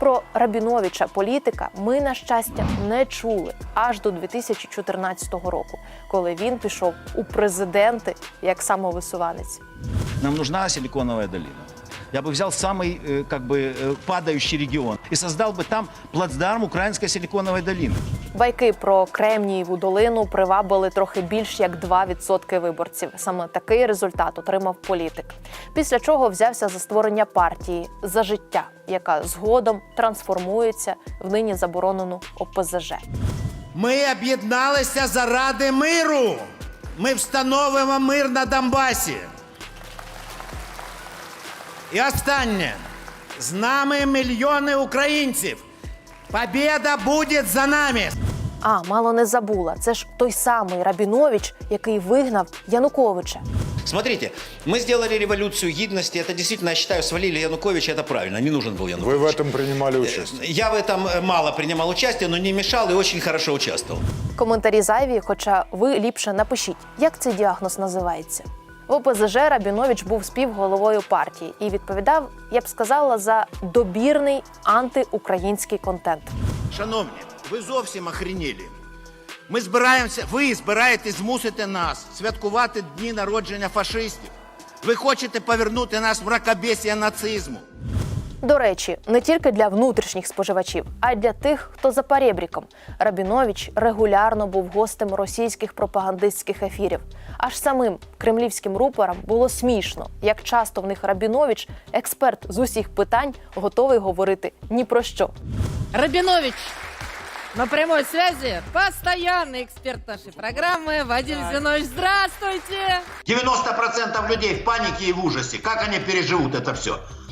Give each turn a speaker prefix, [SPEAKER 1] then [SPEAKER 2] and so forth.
[SPEAKER 1] Про Рабіновича, політика, ми, на щастя, не чули аж до 2014 року, коли він пішов у президенти як самовисуванець.
[SPEAKER 2] Нам нужна силиконовая долина. Я бы взял самый, падающий регион и создал бы там плацдарм украинской силиконовой долины.
[SPEAKER 1] Байки про Кремнієву долину привабили трохи більш як 2% виборців. Саме такий результат отримав політик. Після чого взявся за створення партії «За життя», яка згодом трансформується в нині заборонену ОПЗЖ.
[SPEAKER 3] Ми об'єдналися заради миру. Ми встановимо мир на Донбасі. І останнє. З нами мільйони українців. Побєда буде за нами.
[SPEAKER 1] Мало не забула. Це ж той самий Рабінович, який вигнав Януковича.
[SPEAKER 4] Смотрите, мы сделали революцию гидности. Это действительно, я считаю, свалили Януковича. Это правильно. Не нужен был Янукович.
[SPEAKER 5] Вы в этом принимали участие?
[SPEAKER 4] Я в этом мало принимал участие, но не мешал и очень хорошо участвовал.
[SPEAKER 1] Коментарі зайві, хоча ви ліпше напишіть, як цей діагноз називається. В ОПЗЖ Рабінович був співголовою партії і відповідав, я б сказала, за добірний антиукраїнський контент.
[SPEAKER 3] Шановні, ви зовсім охренілі. Ви збираєтесь змусити нас святкувати дні народження фашистів. Ви хочете повернути нас в мракобесія нацизму.
[SPEAKER 1] До речі, не тільки для внутрішніх споживачів, а й для тих, хто за перебріком. Рабінович регулярно був гостем російських пропагандистських ефірів. Аж самим кремлівським рупорам було смішно, як часто в них Рабінович, експерт з усіх питань, готовий говорити ні про що.
[SPEAKER 6] Рабинович на прямой связи, постоянный эксперт нашей программы Вадим Зинович. Здравствуйте!
[SPEAKER 3] 90% людей в панике и в ужасе. Как они переживут это все?